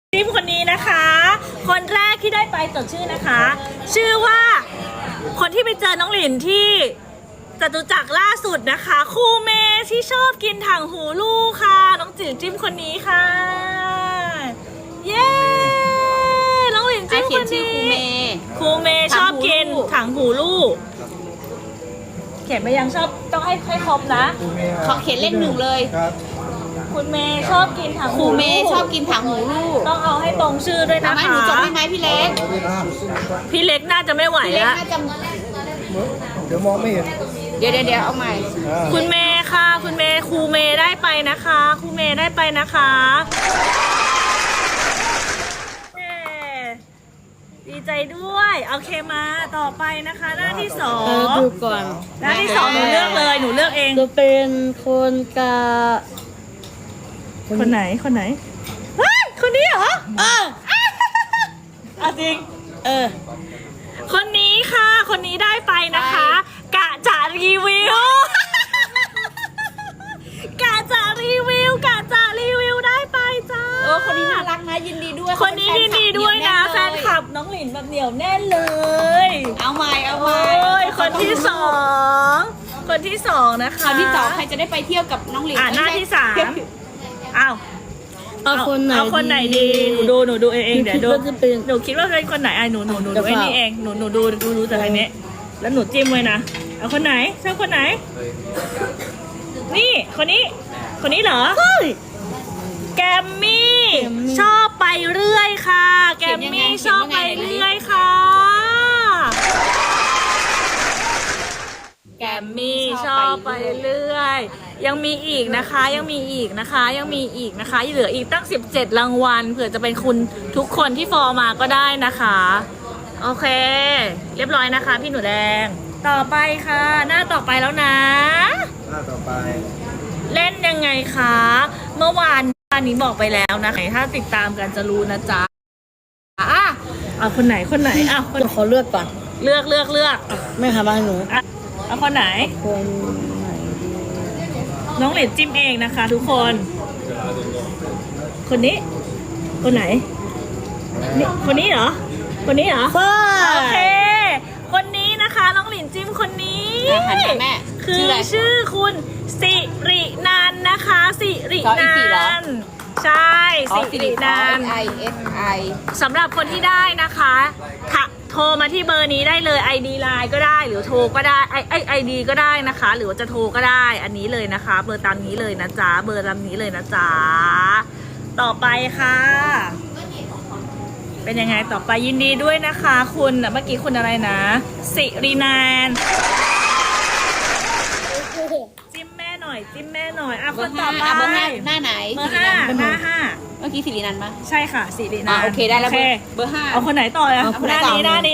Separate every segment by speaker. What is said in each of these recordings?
Speaker 1: ทีมคนนี้นะคะ คนแรกที่ได้ไปจดชื่อนะคะ ชื่อว่าคนที่ไปเจอน้องหลินที่จตุจักรล่าสุดนะคะครูเมย์ที่ชอบกินถังหูลูกค่ะน้องจิ๋วจิ้มคนนี้ค่ะเย้น้องหลินจิ้มคนนี้ครูเมย์ชอบกินถังหูลูกเขียนไปยังชอบต้องให้ครบนะ
Speaker 2: ขอเขียนเลขหนึ่งเลย
Speaker 1: คุณเมย์ชอบกินถัง
Speaker 2: ครูเมย์ชอบกินถังหูลูก
Speaker 1: ต้องเอาให้ตรงชื่อด้วยนะคะ
Speaker 2: ทำให้หนูจดได้ไหมพี่เล็ก
Speaker 1: พี่เล็กน่าจะไม่ไหวแล้ว
Speaker 3: เดี๋ยวมองไม่เห็น
Speaker 2: เดี๋ยวเอาใหม่
Speaker 1: คุณเมย์ค่ะคุณเมย์ครูเมย์ได้ไปนะคะครูเมย์ได้ไปนะคะดีใจด้วยโอเคมาต่อไปนะคะหน้าที่สอง
Speaker 4: ดูก่อน
Speaker 1: หน้าที่สองหนูเลือกเลยหนูเลือกเอง
Speaker 4: จะเป็นคนกา
Speaker 1: คนไหนคนไหนเฮ้ยคนนี้เหรอจริงคนนี้ค่ะคนนี้ได้ไปนะคะกะจะรีวิวกะจะรีวิวได้ไปจ้า
Speaker 2: คนนี้น่ารักนะยินดีด้วย
Speaker 1: คนนี้ยินดีด้วยนะแฟนคลับน้องหลินแบบเหนียวแน่นเลย
Speaker 2: เอาใหม่
Speaker 1: คนที่สองนะคะ
Speaker 2: คนที่สองใครจะได้ไปเที่ยวกับน้องหลิน
Speaker 1: หน้าที่สามเอาคนไหนดีหนูดูเองเดี๋ยวดูหนูคิดว่าเป็นคนไหนหนูดูไอ้นี่เองหนูดูแต่อันนี้แล้วหนูจิ้มไว้นะเอาคนไหนชอบคนไหนนี่คนนี้เหรอแกมมี่ชอบไปเรื่อยค่ะแกมมี่ชอบไปเรื่อยค่ะแกมมี่ชอบไปเรื่อยยังมีอีกนะคะยังมีอีกนะคะเหลืออีกตั้ง17รางวัลเผื่อจะเป็นคุณทุกคนที่ฟอร์มาก็ได้นะคะโอเคเรียบร้อยนะคะพี่หนูแดงต่อไปค่ะหน้าต่อไปแล้วนะ
Speaker 3: หน้าต่อไป
Speaker 1: เล่นยังไงคะเมื่อวานนี้บอกไปแล้วนะคะถ้าติดตามกันจะรู้นะจ๊ะเอาคนไหน
Speaker 4: เดี๋ยวขอเลือกก่อน
Speaker 1: เลือก
Speaker 4: ไม่ค่ะมาหนู
Speaker 1: เอาคนไหนน้องเหรียญจิ้มเองนะคะทุกคนคนนี้คนไหนคนนี้เหรอโอเคคนนี้นะคะน้องหลินจิ้มคนนี้คือชื่อคุณสิรินันนะคะสิรินันใช่สิรินันสำหรับคนที่ได้นะคะโทรมาที่เบอร์นี้ได้เลย ID ไลน์ก็ได้หรือโทรก็ได้ID ก็ได้นะคะหรือว่าจะโทรก็ได้อันนี้เลยนะคะเบอร์ตามนี้เลยนะจ๊ะเบอร์ตามนี้เลยนะจ๊ะต่อไปค่ะเป็นยังไงต่อไปยินดีด้วยนะคะคุณเมื่อกี้คุณอะไรนะสิรินันจิ้มแม่หน่อยคนต่อไป
Speaker 2: เบอร์หน้าไหน
Speaker 1: เบอร์หน้าห้า
Speaker 2: เมื่อกี้สิรินันปะ
Speaker 1: ใช่ค่ะสิรินัน
Speaker 2: โอเคได้แล้วเบอร์ห้า
Speaker 1: เอาคนไหนต่อเลยหน้านี้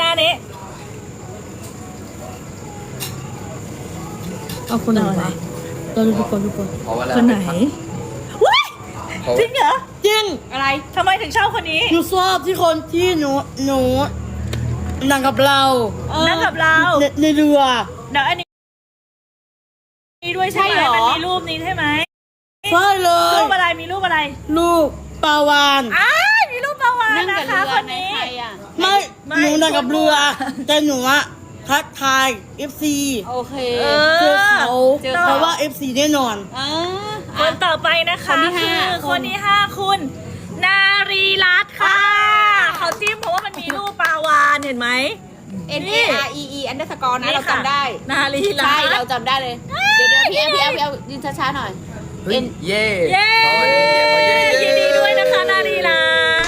Speaker 4: เอาคนไหนวะเราดูก่อน
Speaker 1: คนไหนจริงเหรอ
Speaker 4: จริง
Speaker 1: อะไรทำไมถึงชอบคนนี้
Speaker 4: หนูชอบที่คนที่หนูนั่งกับเราในเรือ
Speaker 1: เดี๋ยวอันนี้ด้วยใช่ไหมมันมีรูปนี้ใช่ไหม
Speaker 4: ใช่เลย
Speaker 1: รูปอะไรมีรูปอะไร
Speaker 4: รูปปลาวาน
Speaker 1: มีรูปปลาวานนะคะคนนี้
Speaker 4: ไม่หนูนั่งกับเรือแต่หนูอะทักทาย FC
Speaker 2: โอเค
Speaker 4: เจอเขาเพราะว่า FC แน่นอน
Speaker 1: คนต่อไปนะคะคือคนที่5คุณนารีรัตน์ค่ะเขาจิ้มเพราะว่ามันมีรูปปลาวานเห็นไหม
Speaker 2: NAREE underscore นะเราจำได้
Speaker 1: นารีรัตน์
Speaker 2: ใช่เราจำได้เลยเดี๋ยวพี่ยืนช้าๆหน่อย
Speaker 3: เย้
Speaker 1: ยินดีด้วยนะคะนารีรัตน์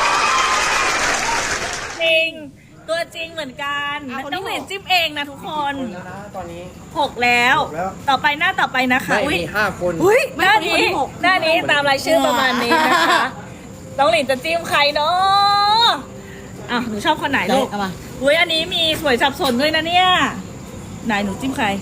Speaker 1: จริงตัวจริงเหมือนกันต้องเห็นจิ้มเองนะทุกคน
Speaker 3: ตอนนี้
Speaker 1: 6แล้วต่อไปหน้าต่อไปนะคะ
Speaker 3: มี5 คน
Speaker 1: หน้านี้ตามรายชื่อประมาณนี้นะคะน้องหลินจะจิ้มใครเนาะหนูชอบคนไหนลูกอันนี้มีสวยสับสนด้วยนะเนี่ยไหนหนูจิ้มใคร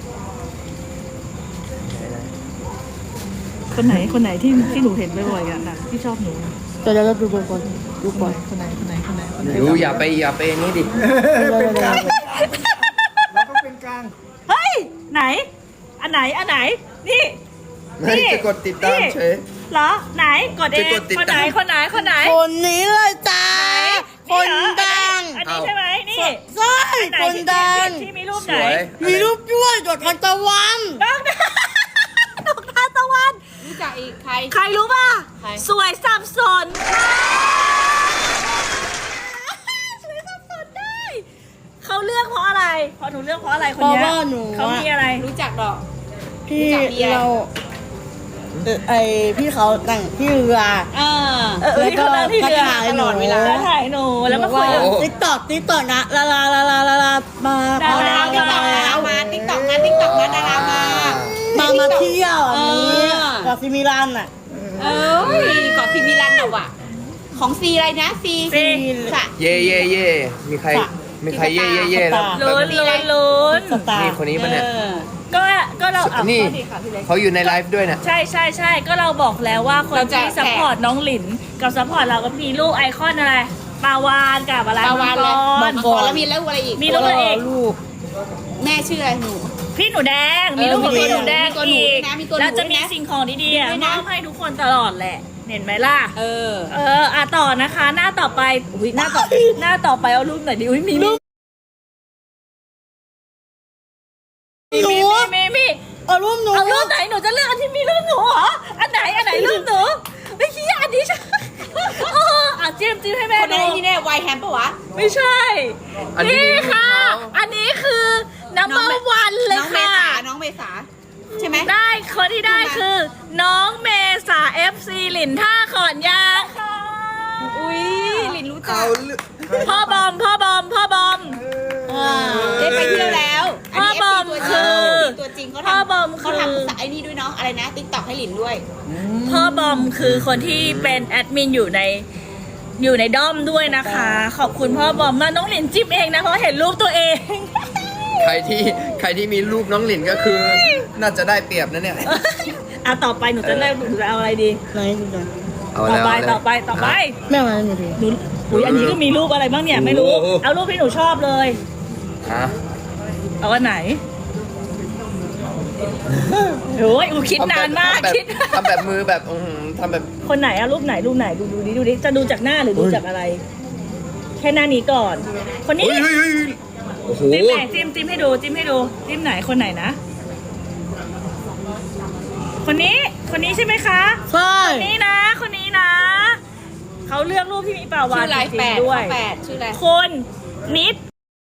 Speaker 1: คนไหนที่หนูเห็นบ่อยๆกันที่ชอบหนู
Speaker 4: แต่เราดูก่อน
Speaker 1: คนไหน
Speaker 3: ดูอย่าไปนี่ดิ
Speaker 4: เป็นกลาง
Speaker 3: เราก็เป็นกลาง
Speaker 1: เฮ้ยไหนอันไหนนี่
Speaker 3: จะกดติดตามเฉย
Speaker 1: เหรอไหนกดเองคนไหน
Speaker 4: คนนี้เลยจ้าคนดัง
Speaker 1: อันนี้ใช่ไหมนี่
Speaker 4: ใช่
Speaker 1: ไหน
Speaker 4: คนดัง
Speaker 1: ที่มีรูป
Speaker 3: ส
Speaker 1: ไหน
Speaker 3: วย
Speaker 4: มีรูปด้วยดอกทานตะวัน
Speaker 1: น้องดอกทานตะวัน
Speaker 2: รู้จักอีกใคร
Speaker 1: ใครรู้ป่ะ
Speaker 2: ใคร
Speaker 1: สวยสับสนค่ะสวยสับสนได้เขาเลือกเพราะอะไรเพราะหนูเลือกเพราะอะไรคน
Speaker 4: เพราะ
Speaker 1: เนี้ย
Speaker 4: ว่าหนู
Speaker 1: เขามีอะไร
Speaker 2: รู้จักดอก
Speaker 4: พี่
Speaker 2: รู้จักเบียร์
Speaker 4: เราพี่เขาแต่งพี่เรือ แล้วก็
Speaker 1: ที่เรือ
Speaker 4: ถ่ายหนู
Speaker 2: ตลอดเวลา
Speaker 1: แล้วถ่ายหนูแล้วมาคุย
Speaker 4: ติ๊กตอกนะลามา
Speaker 1: ดารา
Speaker 2: ติ๊กต็อกดารามาติ๊กต็อกมาติ๊กต็อกมาดารามา
Speaker 4: เที่ยวอันนี้
Speaker 2: เออ
Speaker 4: กับซิมิลันอ่ะ
Speaker 2: เอ้ยเกาะซีมิลันน่ะว่ะของซีอะไรนะซีสะ
Speaker 3: เย่เย่เย่มีใครมีใครเย่เย่เย่แล้ว
Speaker 1: ลุ้นลุ้น
Speaker 4: สตาร์
Speaker 3: นี่คนนี้ปะเนี่ย
Speaker 1: ก็เราอ่ะ
Speaker 3: นี่
Speaker 1: โทษทีค่ะพี่เล็ก
Speaker 3: เขาอยู่ในไลฟ์ด้วยเนี่ย
Speaker 1: ใช่ก็เราบอกแล้วว่าคนที่ซัพพอร์ตน้องหลินกับซัพพอร์ตเราก็มีลูกไอคอนอะไรปลาวานกับอะไร
Speaker 2: ปลาวานเลย
Speaker 1: มั
Speaker 2: มั
Speaker 1: ง
Speaker 2: ง
Speaker 1: ก
Speaker 2: ก
Speaker 1: ร
Speaker 2: รแล้วมีแล้วอะไรอีก
Speaker 1: มีลูกอะไรอีก
Speaker 4: ลูก
Speaker 2: แม่ชื่ออะไรหนู
Speaker 1: พี่หนูแดงมีลูกของพี่หนูแดง
Speaker 2: มีตัวหนู
Speaker 1: อี
Speaker 2: ด้
Speaker 1: ก
Speaker 2: วยนะมีตัวหนู
Speaker 1: แล้วจะมี
Speaker 2: ด้วยนะ
Speaker 1: สิ่งของดีๆอ่ะ
Speaker 2: ด้วย
Speaker 1: ม
Speaker 2: นะ
Speaker 1: อบให้ทุกคนตลอดแหละเห็นไหมล่ะ
Speaker 2: เออ
Speaker 1: อ่ะต่อนะคะ หน้าต่อไปอุ้ยหน้าต่อไปเอารูปไหนดีอุ้ยมีรูป
Speaker 4: หนู
Speaker 1: มี
Speaker 4: เอารูปหนู
Speaker 1: เอารูปไหนหนูจะเลือกอันที่มีรูปหนูเหรออันไหนรูปหนูไม่คิดอันนี้ใช่อ่ะจิ้มให้แม่
Speaker 2: คน
Speaker 1: ดู
Speaker 2: นั้นที่แน่ไวแฮมปะวะ
Speaker 1: ไม่ใช่
Speaker 3: อันนี้
Speaker 1: นี่ค่ะ
Speaker 3: มีรูปเขา
Speaker 1: อันนี้คือน้ำมันวันเลย
Speaker 2: น้องเม
Speaker 1: ค่ะ
Speaker 2: ษาน้องเมษาใช่ไหม
Speaker 1: ได้คนที่ได้คือ น้องเมษา FC หลินท่าขอนยางค่ะ
Speaker 2: อุ้ยลินรู้จั
Speaker 3: เอา
Speaker 2: ก
Speaker 1: พ่อบอม
Speaker 2: ได้ไปเที่ยวแล้ว
Speaker 1: พ่อบอมคือ
Speaker 2: ตัวจริงเขา
Speaker 1: พ่อบอม
Speaker 2: ทำ
Speaker 1: คือ
Speaker 2: เขาทำไอ้นี่ด้วยเนาะอะไรนะติ๊กต็อกให้ลินด้วย
Speaker 1: พ่อบอมคือคนที่เป็นแอดมินอยู่ในด้อมด้วยนะคะ ขอบคุณพ่อบอมมากน้องหลินจิ้มเองนะเพราะเห็นรูปตัวเอง
Speaker 3: ใครที่มีรูปน้องหลินก็คือ น่าจะได้เปรียบนะเนี่ย
Speaker 1: อ่ะต่อไปหนูจะเลือกหนูจะเอาอะไรดี
Speaker 4: ไหนดูหน่อย
Speaker 3: เอา
Speaker 1: ต่อ
Speaker 3: แล้ว
Speaker 1: ไป
Speaker 3: เอาแล้ว
Speaker 1: ต่อไป
Speaker 4: แม่มาหนูดู
Speaker 1: หนูอุ้ยอันนี้ก็มีรูปอะไรบ้างเนี่ยไม่รู้
Speaker 3: โอ้โห
Speaker 1: เอารูปที่หนูชอบเลย
Speaker 3: ฮะ
Speaker 1: เอาอันไหนโอ้ยอูคิดนานมากคิด
Speaker 3: ทำแบบมือแบบทำแบบ
Speaker 1: คนไหนเอารูปไหนดูดิจะดูจากหน้าหรือดูจากอะไร แค่หน้านี้ก่อน คนนี้
Speaker 3: เฮ้ยโอ้โห
Speaker 1: จิ้มไหนจิ้มให้ดูจิ้มไหนคนไหนนะ คนนี้ใช่ไหมคะ
Speaker 4: ใช่
Speaker 1: คนนี้นะเขาเลือกรูปที่มีปลาวา
Speaker 2: ชื่
Speaker 1: น
Speaker 2: ออะไร
Speaker 1: จริ
Speaker 2: แป
Speaker 1: ง
Speaker 2: ด
Speaker 1: ๆด้วย
Speaker 2: แปดชื่ออะไร
Speaker 1: คนนิด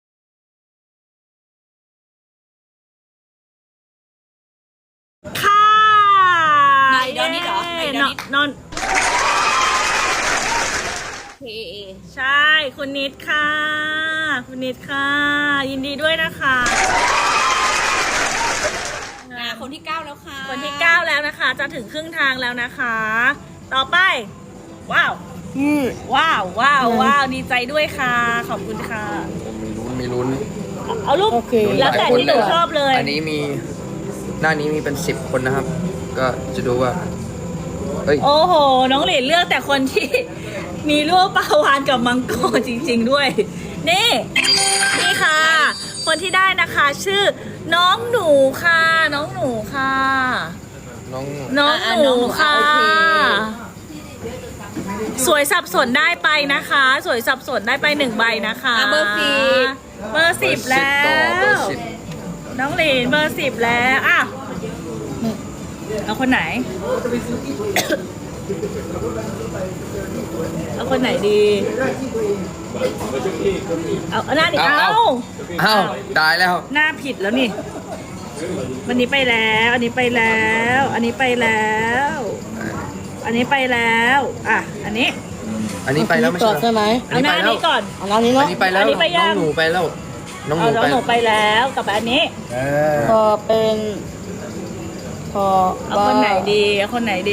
Speaker 1: ค่ะ
Speaker 2: ไหนดอนนิดเหรอไหนดอนนิด
Speaker 1: นอน
Speaker 2: เคเอ
Speaker 1: ใช่ คุณนิดค่ะ คุณนิดค่ะ ยินดีด้วยนะคะ
Speaker 2: คนที่ 9 แล้วค่ะ
Speaker 1: คนที่ 9 แล้วนะคะ จะถึงครึ่งทางแล้วนะคะ ต่อไป ว้าว ว้าว ดีใจด้วยค่ะ ขอบคุณค่ะ
Speaker 3: มีลุ้น
Speaker 1: เอารูป
Speaker 4: โอเค
Speaker 1: แล้วแต่ที่หนูชอบเลย
Speaker 3: อันนี้มีหน้านี้มีเป็น10 คนนะครับ ก็จะดูว่าเฮ้ย
Speaker 1: โอ้โห น้องหลินเลือกแต่คนที่มีรูปปลาวานกับมังกรจริงๆด้วย นี่ค่ะ คนที่ได้นะคะ ชื่อ น้องหนูค่ะ
Speaker 3: น้อง
Speaker 1: น้องหนูค่ะ
Speaker 2: โอเค
Speaker 1: สวยสับสนได้ไปนะคะ สวยสับสนได้ไป1 ใบนะคะ
Speaker 2: เบอร์
Speaker 1: เบอร์ 10 แล้ว
Speaker 3: เบอร์
Speaker 1: น้องหลินเบอร์ 10 แล้วอ่ะเอาคนไหน เอาคนไหนดี เอาหน้าดิ
Speaker 3: เอา อ้าวตายแล้ว
Speaker 1: หน้าผิดแล้วนี่ วันนี้ไปแล้ว อันนี้ไปแล้ว อันนี้ไปแล้ว อันนี้ไปแล้ว อ่ะ อันนี้
Speaker 3: อันนี้ไปแล้วไม่
Speaker 4: ก่
Speaker 3: ใช่
Speaker 4: อน
Speaker 3: เหร
Speaker 4: ใช่ไหม
Speaker 1: เอาหน้านี้ก่อน
Speaker 4: เอาน้ำนี้
Speaker 3: อั
Speaker 4: เนาะ
Speaker 3: นนี้ไปแล้ว
Speaker 1: อันนี้ไปยัง
Speaker 3: น้องหนูไปแล้ว น้องห
Speaker 1: เอา
Speaker 3: นู
Speaker 1: น้อง
Speaker 3: ไป
Speaker 1: หนูไปแล้วกับอันนี้
Speaker 4: พอเป็นพอ
Speaker 1: เอาคนไหนดี เอาคนไหนดี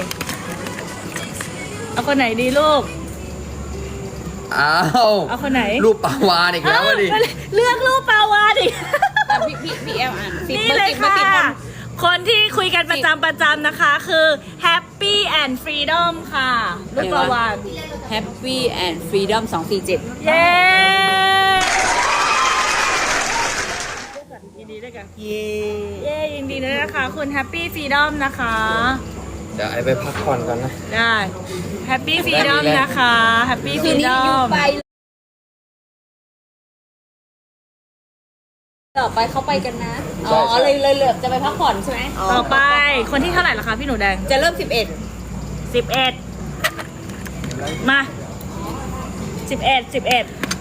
Speaker 1: เอาคนไหนดีลูก
Speaker 3: อ้าว
Speaker 1: เอาคนไหน
Speaker 3: รูปปลาวานอีกแล้วอะดิ
Speaker 1: อ้าวเลือกรูปปลาวานอีก
Speaker 2: พี่แอลอ่าน10
Speaker 1: นี่
Speaker 2: บอร์
Speaker 1: เลย
Speaker 2: 10บอ
Speaker 1: ค่ะ
Speaker 2: ร์10
Speaker 1: คนที่คุยกันประจำนะคะ คือ Happy and Freedom ค่ะรูปปลาวาน
Speaker 2: Happy and Freedom 247
Speaker 1: เย้ยินดีด้วยกัน
Speaker 4: เย่
Speaker 1: เย้ยินดีด้วยนะคะ คุณ Happy Freedom นะคะ
Speaker 3: เดี๋ยวไอไปพักผ่อนก่อนนะ
Speaker 1: ได้แฮปปี้ฟรีดอมนะคะแฮปปี้ฟ
Speaker 2: คื
Speaker 1: รี
Speaker 2: นนี้
Speaker 1: ดอ
Speaker 2: อยู่
Speaker 1: ม
Speaker 2: ไปต่อไปเขาไปกันนะ อ๋อ เลยเหลือจะไปพักผ่อนใช่ไหม
Speaker 1: ต่อไปคนที่เท่าไหร่ล่ะคะพี่หนูแดง
Speaker 2: จะเริ่ม 11
Speaker 1: 11 มา11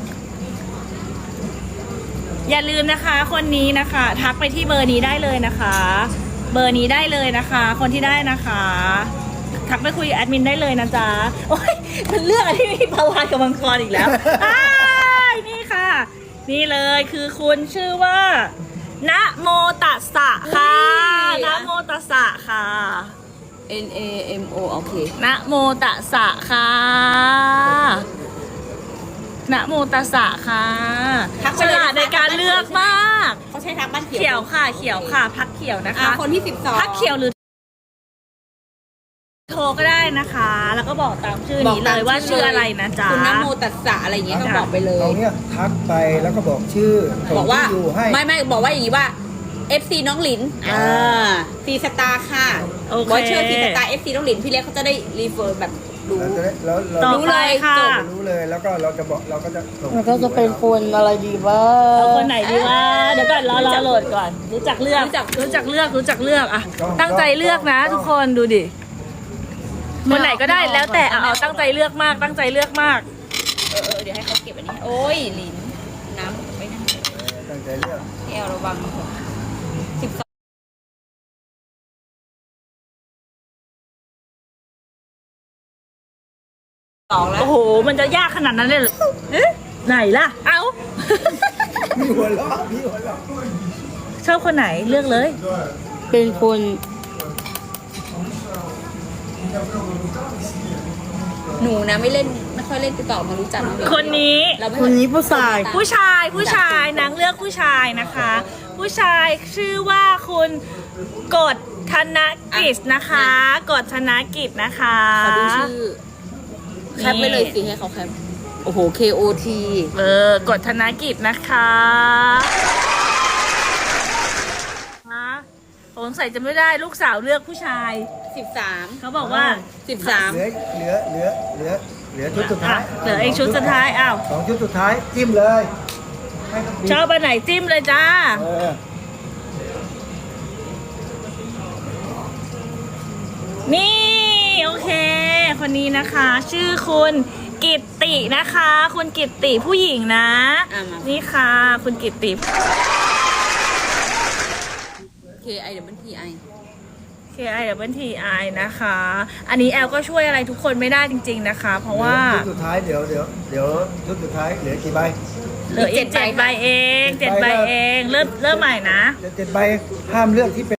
Speaker 1: อย่าลืมนะคะ คนนี้นะคะ ทักไปที่เบอร์นี้ได้เลยนะคะ เบอร์นี้ได้เลยนะคะ คนที่ได้นะคะ ทักไปคุยกับแอดมินได้เลยนะจ๊ะโอ้ยมันเลือกอะไรที่มีปลาวานกับมังกรอีกแล้วอ้ายนี่ค่ะ นี่เลยคือคุณชื่อว่านะโมตัสสะค่ะนะโมตัสสะค่ะ
Speaker 2: NAMO โอเค
Speaker 1: นะโมตัสสะค่ะนะโมตัสสะค่ะ
Speaker 2: ทักไป
Speaker 1: ฉ
Speaker 2: เลย
Speaker 1: ลาดในการเลือกมาก
Speaker 2: เขาใช้ทักบ้านเขี
Speaker 1: เขี
Speaker 2: ย
Speaker 1: ยว วค่ะ เขียวค่ะ พักเขียวนะคะ
Speaker 2: คนที่ 12
Speaker 1: พักเขียวหรือโทรก็ได้นะคะ แล้วก็บอกตามชื่อนี้เลยว่าชื่ออะไรนะจ๊ะ
Speaker 2: คุณนโมตัสสะอะไรอย่างเงี้ยก็บอกไปเลย
Speaker 5: ตรงเนี้ยทักไปแล้วก็บอกชื่อส่ง
Speaker 2: บอกว่า
Speaker 5: ที่อยู่ให้
Speaker 2: ไม่บอกว่าอย่างนี้ว่า FC น้องหลินซีสตาร์ค่ะ
Speaker 1: โอเค
Speaker 2: บอยเชอร์ซีสตาร์ FC น้องหลินพี่เล็กเขาจะได้รีเฟอร์แบบรู้
Speaker 5: แล้วเรา
Speaker 1: ต่อ
Speaker 2: รู้
Speaker 1: ไป
Speaker 2: เลย
Speaker 1: ค่ะ
Speaker 2: จบ
Speaker 5: รู้เลยแล้วก็เราจะบอกเราก็จะส่ง
Speaker 4: มันก็จะเป็นคนอะไรดีว่า
Speaker 1: เอาคนไหนดีวะเดี๋ยวก่อนรอโหลดก่อน รู้จักเลือกรู้จักเลือกอะตั้งใจเลือกนะทุกคนดูดิคนไหนก็ได้แล้วแต่เอาตั้งใจเลือกมากตั้งใจเลือกมาก
Speaker 2: เดี๋ยวให้เขาเก็บอันนี้ โอ้ยหลินน้ำไม่นั่น
Speaker 5: ตั้งใจเลือก
Speaker 2: แอลระวัง12แล้ว
Speaker 1: โอ้โหมันจะยากขนาดนั้นเลยเหรอไหนล่ะเอ้า
Speaker 5: มีหัวเราะมีหัวเราะ
Speaker 1: ชอบคนไหนเลือกเลย
Speaker 4: เป็นคน
Speaker 2: หนูนะไม่ค่อยเล่นติ๊กต็อกมารู้จักองหลิ
Speaker 1: คนนี้
Speaker 2: เราไม่
Speaker 4: คนนี้ผู้ชาย
Speaker 1: ผู้ชายนางเลือกผู้ชายนะคะ ผู้ชายชื่อว่าคุณกฎธนกิจนะคะกฎธนกิจนะคะ
Speaker 2: ขอดูชื่อแคปไปเลยสิให้เขาแคปโอ้โห KOT
Speaker 1: กฎธนกิจนะคะสงสัยจะไม่ได้ลูกสาวเลือกผู้ชาย
Speaker 2: 13
Speaker 1: เขาบอกว่า
Speaker 2: 13
Speaker 5: เหลือชุดสุดท้าย
Speaker 1: เหลืออีกชุดสุดท้ายอ้าว
Speaker 5: สองชุดสุดท้ายจิ้มเลยให้เขา
Speaker 1: ชอบอันไหนจิ้มเลยจ้า
Speaker 5: เออ
Speaker 1: นี่โอเค คนนี้นะคะ ชื่อคุณกิตตินะคะ คุณกิตติผู้หญิงนะ
Speaker 2: อ่ะมา
Speaker 1: นี่ค่ะคุณกิตติ
Speaker 2: KIWTI
Speaker 1: KIWTI นะคะ อันนี้แอลก็ช่วยอะไรทุกคนไม่ได้จริงๆนะคะ เพราะว่า
Speaker 5: ชุดสุดท้ายเดี๋ยวชุดสุดท้ายเหลือกี่ใบ
Speaker 1: เหลืออีก7 ใบเอง7 ใบเองเริ่มใหม่นะ
Speaker 5: เหลือ7 ใบห้ามเลือกที่เป็น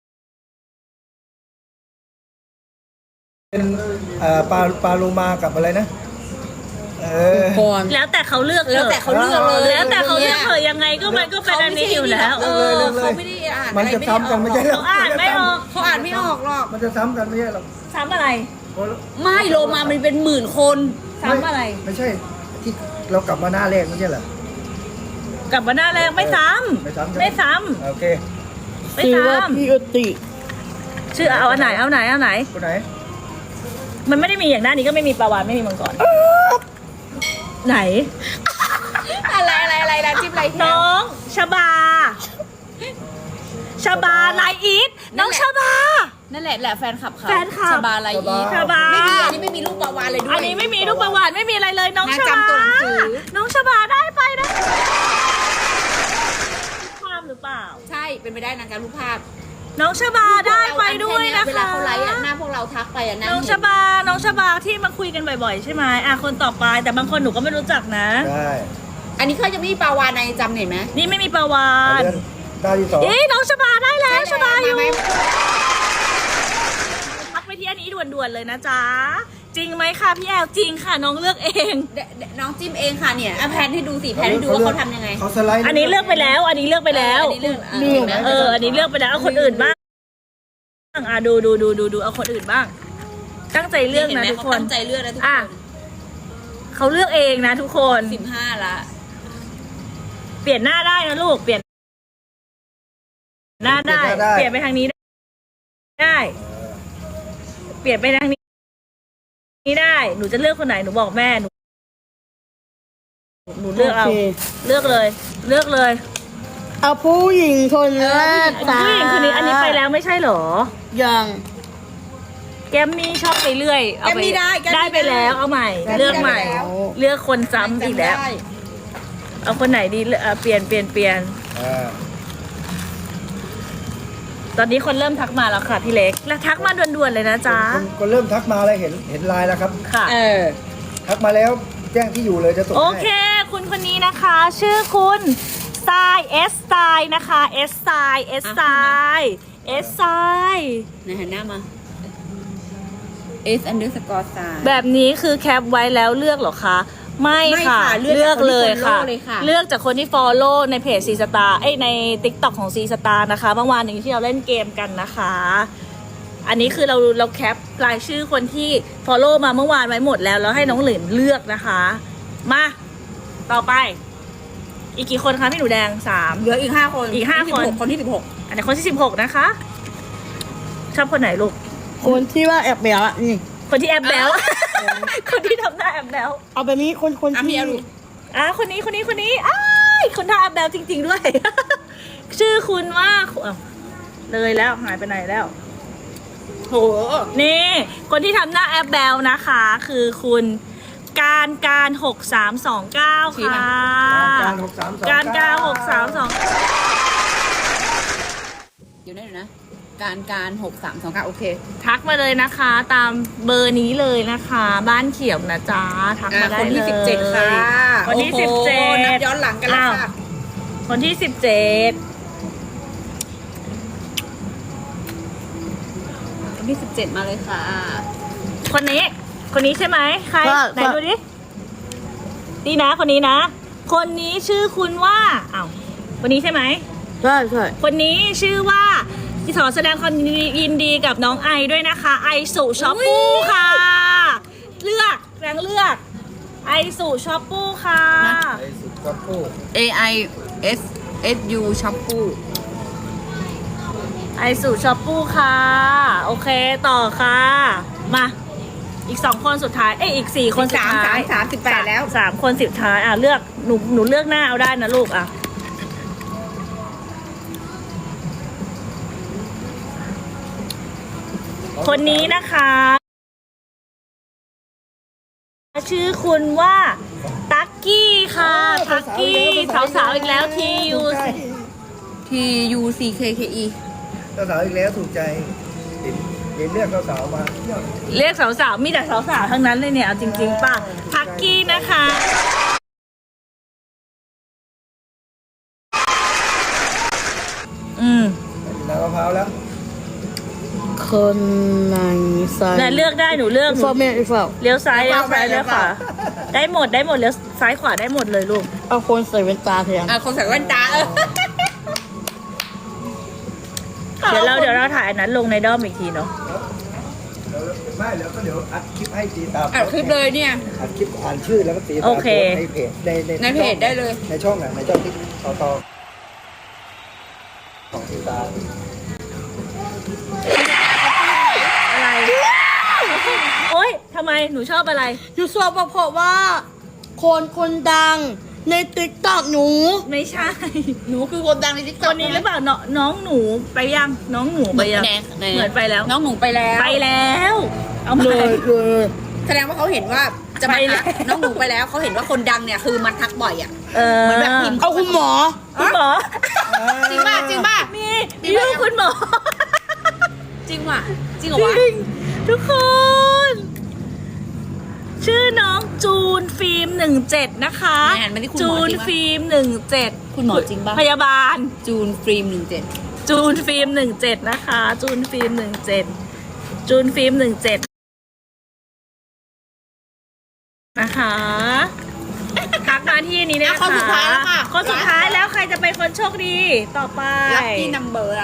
Speaker 5: ปลาโลมากับอะไรนะ
Speaker 2: ก่อน
Speaker 1: แล้วแต่เขาเลือก
Speaker 2: แล้วแต่เขาเลือกเลย
Speaker 1: แล้วแต่เขาเลือกเถอะยังไงก็มันก็เป็นอันนี้อยู่แล้ว
Speaker 2: เขาไม่ได้อ่าน
Speaker 5: มันจะซ้ำกันไม่ใช่หร
Speaker 1: เขาอ่านไม่ออก
Speaker 2: เขาอ่านไม่ออกหรอก
Speaker 5: มันจะซ้ำกันไม่ใช่หรอก
Speaker 1: ซ้ำอะไร
Speaker 2: ไม่โลมามันเป็นหมื่นคน
Speaker 1: ซ้ำอะไร
Speaker 5: ไม่ใช่ที่เรากลับมาหน้าแรกไม่ใช่เหรอก
Speaker 1: ลับมาหน้าแรงไม่ซ้
Speaker 5: ไม่ซ้ำ
Speaker 1: ำไม่ซ้
Speaker 5: โอเค
Speaker 1: ำไม่
Speaker 4: ชื่อว่า
Speaker 1: ซ้ำ
Speaker 4: พี่อติ
Speaker 1: ชื่อเอาอันไหนเอาไหน
Speaker 5: คนไหน
Speaker 1: มันไม่ได้มีอย่างหน้านี้ก็ไม่มีปลาวานไม่มีมังกรไหน
Speaker 2: อะไรนะจิ้มอะไร
Speaker 1: น้องชบาไลอีทน้องชบา
Speaker 2: นั่นแหละแฟนคลับเขา
Speaker 1: แฟนคลับ
Speaker 2: ชบาอะไรอีก
Speaker 1: ชบา
Speaker 2: ไม่มีอันนี้ไม่มีลูกปลาวานเลยด้วย
Speaker 1: อันนี้ไม่มีลูกประวัติไม่มีอะไรเลยน้อง
Speaker 2: น่า
Speaker 1: ชบา
Speaker 2: จำตัวหนังสือ
Speaker 1: น้องชบาได้ไปนะภาพหรือเปล่า
Speaker 2: ใช่เป็นไปได้นะการรูปภาพ
Speaker 1: น้องชบาได้ไปด้วยนะ
Speaker 2: เวลา
Speaker 1: คะ
Speaker 2: เขาไลฟ์อะหน้าพวกเราทักไปอะหน้า
Speaker 1: น้องชบาที่มาคุยกันบ่อยๆใช่ไหมคนต่อไปแต่บางคนหนูก็ไม่รู้จักนะ
Speaker 5: ได้
Speaker 2: อันนี้เขาจะไม่มีปลาวานในจำเห็นไหม
Speaker 1: นี่ไม่มีประวั
Speaker 5: เอา
Speaker 1: ติ
Speaker 5: เดือนดาวที่สอง
Speaker 1: น้องชบาได้แล้วชบาอยู่
Speaker 2: มไหม
Speaker 1: ทักไปที่อันนี้ด่วนๆเลยนะจ๊ะจริงไหมคะพี่แอลจริงค่ะน้องเลือกเอง
Speaker 2: น้องจิ้มเองค่ะเนี่ยแพนให้ดูสิแพนให้ดูว่าเขาทำยังไง
Speaker 5: เขาสไลด์
Speaker 1: อันนี้เลือกไปแล้ว อันนี้เลือกไปแล้ว
Speaker 2: อันนี้เรื่องเห็นไหม
Speaker 1: อันนี้เลือกไปแล้วเอาคนอื่นบ้างดูเอาคนอื่นบ้าง ตั้งใจเลือกนะทุกคน
Speaker 2: ตั้งใจเลือกนะทุกค
Speaker 1: อ่ะ
Speaker 2: น
Speaker 1: เขาเลือกเองนะทุกคน
Speaker 2: 15ละ
Speaker 1: เปลี่ยนหน้าได้นะลูกเปลี่ยนหน้าได้ เปลี่ยนไปทางนี้ได้เปลี่ยนไปทางนี้ได้หนูจะเลือกคนไหนหนูบอกแม่หนูเลือกเอา
Speaker 4: โอเค
Speaker 1: เลือกเลย
Speaker 4: เอาผู้หญิงคนแรก
Speaker 1: ผู้หญิงคนนี้อันนี้ไปแล้วไม่ใช่เหรอ
Speaker 4: ยัง
Speaker 1: แกมมี่ชอบไปเรื่อยเอา
Speaker 2: แกมมี่ได้แกมมี่
Speaker 1: ได้ไปแล้วเอาใหม่
Speaker 2: แกมมี่
Speaker 1: เลือกใหม่
Speaker 2: ได้แล้ว
Speaker 1: เลือกคนซ้ำอีกแล้ว
Speaker 2: จำได้
Speaker 1: เอาคนไหนดีเปลี่ยน
Speaker 5: อ่า
Speaker 1: ตอนนี้คนเริ่มทักมาแล้วค่ะพี่เล็กแล้วทักมาด่วนๆเลยนะจ๊ะ
Speaker 5: คนเริ่มทักมาแล้วเห็นไลน์แล้วครับ
Speaker 1: ค่ะ
Speaker 5: ทักมาแล้วแจ้งที่อยู่เลยจะส่ง
Speaker 1: โอ
Speaker 5: ให้
Speaker 1: เค คุณคนนี้นะคะ ชื่อคุณสไตล์S สไตล์นะคะ S สไตล์ S สไตล์ S สไตล์
Speaker 2: ในหันหน้ามา S_star
Speaker 1: แบบนี้คือแคปไว้แล้วเลือกเหรอคะ ไม่
Speaker 2: ไม่
Speaker 1: ค่ะ
Speaker 2: ค่ะเลื
Speaker 1: เลือ
Speaker 2: อก ก
Speaker 1: เลย
Speaker 2: จากคนที่
Speaker 1: ค่ะ
Speaker 2: follow เลยค่ะ
Speaker 1: เลือกจากคนที่ follow ในเพจ C Star ใน TikTok ของ C Star นะคะเมื่อวานนี้ที่เราเล่นเกมกันนะคะ อันนี้คือเราแคปรายชื่อคนที่ follow มาเมื่อวานไว้หมดแล้วให้น้องหลินเลือกนะคะ มาต่อไป อีกกี่คนคะพี่หนูแดง3
Speaker 2: เหลืออีก5 คน
Speaker 1: อีก5 คน
Speaker 2: คนที่
Speaker 1: อันนี้คนที่16นะคะชอบคนไหนลูก
Speaker 4: คนที่ว่าแอบแบลอะนี่
Speaker 1: คนที่แอบแบล คนที่ทำหน้าแอบแบล
Speaker 4: เอาแบบนี้คน
Speaker 2: 16พี่
Speaker 4: ที่
Speaker 2: เอาดู
Speaker 1: คนนี้อ้ายคนท่าแอบแบลจริง ๆ ด้วย ชื่อคุณว่าอ้าวเลยแล้วหายไปไหนแล้ว
Speaker 2: โห
Speaker 1: นี่ คนที่ทำหน้าแอบแบลนะคะ คือคุณการ6329ค่ะ
Speaker 5: การ6329
Speaker 1: การ6329
Speaker 2: เดี๋ยวนะการ6329โอเค
Speaker 1: ทักมาเลยนะคะ ตามเบอร์นี้เลยนะคะ บ้านเขียวนะจ๊ะทักมาได้
Speaker 2: คน
Speaker 1: เล
Speaker 2: ที่
Speaker 1: ย
Speaker 2: 17ค่ะ
Speaker 1: คนที่
Speaker 2: โอ้โห
Speaker 1: 17
Speaker 2: นับย้อนหลังกันแล้วค่ะ
Speaker 1: คนที่17
Speaker 2: คนที่17มาเลยค่ะ
Speaker 1: คนนี้ใช่ไหมใครไหนดูดินี่นะคนนี้นะ คนนี้ชื่อคุณว่าอ้าวคนนี้ใช่ไหม
Speaker 4: ใช่ใช่
Speaker 1: คนนี้ชื่อว่าขอแสดงความยินดีกับน้องไอด้วยนะคะ ไอสุช็อปปูค่ะ เลือกไอสุช็อปปูค่ะ
Speaker 5: ไอ้สุดก็พูด
Speaker 2: AISSU ช็อปปู
Speaker 1: ไอสุช็อปปูค่ะ โอเคต่อค่ะ มาอีก2 คนสุดท้ายอีก4 คนสุดท้าย
Speaker 2: 18แล้ว
Speaker 1: 3 คนสุดท้ายเลือกหนูเลือกหน้าเอาได้นะลูกคนนี้นะคะ ชื่อคุณว่าตักกี้ค่ะตักกี้สาวๆอีกแล้วทียู
Speaker 2: TUCKKE
Speaker 5: สาวๆอีกแล้วถูกใจเห็นเลือกสาวๆมา
Speaker 1: เรียกสาวๆมีแต่สาวๆทั้งนั้นเลยเนี่ยเอาจริงๆป่ะตักกี้นะคะ
Speaker 5: น้ำมะพร้าวแล้ว
Speaker 4: คนไหนซ้าย
Speaker 1: เลือกได้หนูเลือก
Speaker 4: อีกฝั่งแม่อีกฝั่ง
Speaker 1: เลี้ยวซ้ายเลี้ยวขวาได้หมดเลี้ยวซ้ายขวาได้หมดเลยลูก
Speaker 4: เอาคนใส่แว่นตาแทน
Speaker 2: คนใส่แว่นตา
Speaker 1: เดี๋ยวเราถ่ายอันนั้นลงในด้อมอีกทีเนาะ
Speaker 5: ไม่แล้วก็เดี๋ยวอัดคลิปให้ตีตาม
Speaker 2: อัดคลิปเลยเนี่ย
Speaker 5: อัดคลิปอ่านชื่อแล้วก็ตีตาม
Speaker 1: โอเค
Speaker 5: ในเพจ
Speaker 2: ในเพจได้เลย
Speaker 5: ในช่องในช่องที่ต่อของตีตาม
Speaker 1: อะไรโอ๊ยทำไมหนูชอบอะไร
Speaker 4: อยู่สอบเพราะว่า คนดังในติ๊กต็อกหนู
Speaker 1: ไม่ใช่
Speaker 2: หนูคือคนดังในทิก
Speaker 1: ค
Speaker 2: ต็อก
Speaker 1: นนี้หรือเปล่าน้องหนูไปยังน้องหนูไปยังเหมือนไปแล้ว
Speaker 2: น้องหนูไปแล้ว
Speaker 1: ไปแล้วเอามา
Speaker 4: เลย
Speaker 2: แสดงว่าเขาเห็นว่าจะมา
Speaker 1: ไปแล้ว
Speaker 2: ทักน้องหนูไปแล้วเขาเห็นว่าคนดังเนี่ยคือมันทักบ่อยอ่ะ
Speaker 1: เห
Speaker 2: มือนแบบพิมพ์
Speaker 4: เอาคุณหมอ
Speaker 1: คุณหมอ
Speaker 2: จริงป่ะจริงป่ะ
Speaker 1: มีลูกคุณหมอ
Speaker 2: จริงว่ะจริงเหรอ
Speaker 1: จ
Speaker 2: วะ
Speaker 1: ริงทุกคน ชื่อน้องจูนฟิล์ม17นะคะ
Speaker 2: แอนไม่ได้คุณหม
Speaker 1: จู
Speaker 2: อน จริง
Speaker 1: ฟิล์ม17
Speaker 2: คุณหมอจริงป่ะ
Speaker 1: พยาบาล
Speaker 2: จูนฟิล์ม17
Speaker 1: จูนฟิล์ม17นะคะ จูนฟิล์ม17จูนฟิล์ม17นะคะทักมาที่นี้เลยนะคะ
Speaker 2: คนสุดท้ายแล้วค่ะ
Speaker 1: คนสุดท้ายแล้วใครจะเป็นคนโชคดีต่อไป
Speaker 2: ลัคกี้นัมเบอร์แล้ว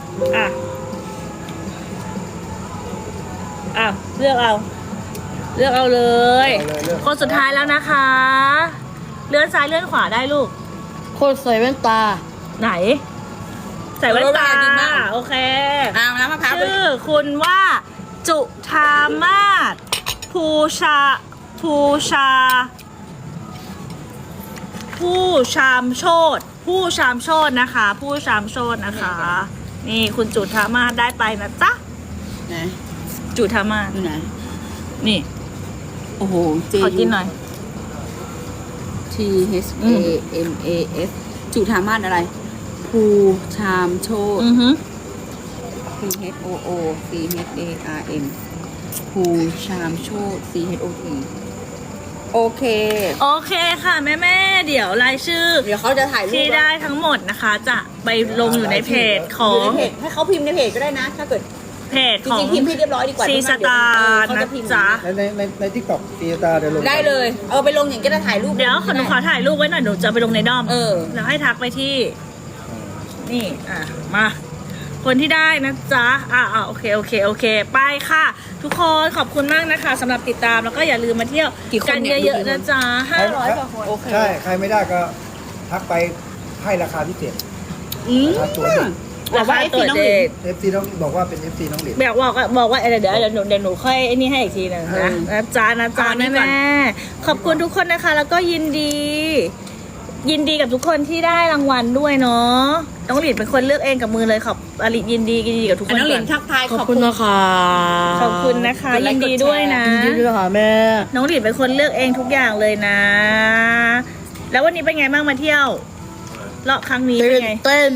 Speaker 1: เลือกเอาเลย
Speaker 5: เลือก
Speaker 1: คนสุดท้ายแล้วนะคะ เลื่อนซ้ายเลื่อนขวาได้ลูก
Speaker 4: คนใส่แว่นตา
Speaker 1: ไหน ใส่แว่นตา
Speaker 2: จริงมาก
Speaker 1: โอเค
Speaker 2: น้ำมะพร้าว
Speaker 1: ชื่อคุณว่าจุธามาศภูชามโชตินะคะ ผู้ชามโชตินะคะ นี่คุณจุธามาศได้ไปนะจ๊ะ
Speaker 2: นะ
Speaker 1: จุธามาศ
Speaker 2: ดูนะ
Speaker 1: นี่
Speaker 2: โอ้โห J
Speaker 1: ขอกินหน่อย
Speaker 2: T H A M A S จุธามาศอะไรภูชามโชต
Speaker 1: อือฮึ
Speaker 2: P H O O C H A R M ภูชามโชต C H O T โอเค
Speaker 1: โอเคค่ะแม่ๆเดี๋ยวรายชื่อ
Speaker 2: เดี๋ยวเขาจะถ่ายรูป
Speaker 1: ที่ได้ทั้งหมดนะคะ จะไปลงอยู่ในเพจขอ
Speaker 2: อยู่
Speaker 1: ง
Speaker 2: ในเพจให้เขาพิมพ์ในเพจก็ได้นะ ถ้าเกิด
Speaker 1: เพจ
Speaker 2: จ
Speaker 1: ของ
Speaker 2: ริงๆพิมพ์ให้เรียบร้อยดีกว่า
Speaker 1: ซีสตาร์
Speaker 2: เขา
Speaker 1: นะ
Speaker 2: จะพิมพ์
Speaker 1: จ๊ะ
Speaker 5: ในทิกตอกตีตาเดี๋ยวลง
Speaker 2: ได้เลย เอาไปลงอย่างก็ได้ถ่ายรูป
Speaker 1: เดี๋ยวหนูขอถ่ายรูปไว้หน่อยหนูจะไปลงในด้อม
Speaker 2: เออ
Speaker 1: แล้วให้ทักไปที่ นี่มา คนที่ได้นะจ๊ะโอเคไปค่ะ ทุกคนขอบคุณมากนะคะสำหรับติดตามแล้วก็อย่าลืมมาเที่ยว
Speaker 2: กี่คน
Speaker 1: กัน
Speaker 2: เนี่ย
Speaker 1: เยอะๆนะจ๊ะ500กว่าคน
Speaker 2: โอเค
Speaker 5: ใช่ ใครไม่ได้ก็ทักไปให้ราคาพิเศษ
Speaker 2: อืม
Speaker 5: ราคาตัวเด็ก
Speaker 2: บอกว่า FC น้องหลิน
Speaker 5: FC น้องบอกว่าเป็น FC น้องหลิน
Speaker 1: บอกว่าเดี๋ยวหนูค่อยไอ้นี่ให้อีกทีนึงนะจ๊ะ
Speaker 2: เอานี่
Speaker 1: แม่
Speaker 2: ก่อน
Speaker 1: แม่ขอบคุณทุกคนนะคะ แล้วก็ยินดีกับทุกคนที่ได้รางวัลด้วยเนาะน้องหลินเป็นคนเลือกเองกับมือเลยขอบอลิยินดีกับทุกคน
Speaker 2: น้องหลิ
Speaker 1: ก่
Speaker 2: น
Speaker 1: อน
Speaker 2: ทักทาย
Speaker 4: ขอบคุณนะคะ
Speaker 1: ขอบคุณนะคะ
Speaker 2: กดไล
Speaker 1: ยิ
Speaker 2: ค์
Speaker 1: นดี
Speaker 2: กดแชร์
Speaker 1: ด้วยนะ
Speaker 4: ยินดีด้วยค่ะแม่
Speaker 1: น้องหลินเป็นคนเลือกเองทุกอย่างเลยนะ แล้ววันนี้เป็นไงบ้างมาเที่ยวเลาะครั้งนี้เป็นไง
Speaker 4: เต้น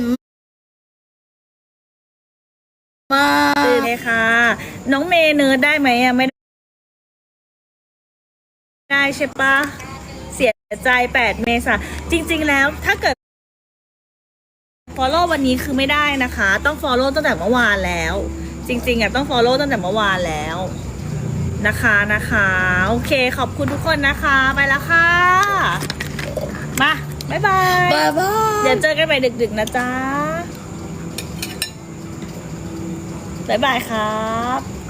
Speaker 4: มาก
Speaker 1: ตื่นเลยค่ะ น้องเมย์เนิร์ดได้ไหมอะไม่ได้ใช่ปะเสียใจ8 เมษาจริง ๆ แล้วถ้าเกิด follow วันนี้คือไม่ได้นะคะ ต้อง follow ตั้งแต่เมื่อวานแล้ว จริงๆต้อง follow ตั้งแต่เมื่อวานแล้วนะคะโอเคขอบคุณทุกคนนะคะไปแล้วค่ะมาบ๊ายบาย
Speaker 4: บ๊ายบาย
Speaker 1: เดี๋ยวเจอกันใหม่ดึกๆนะจ๊ะบ๊ายบายครับ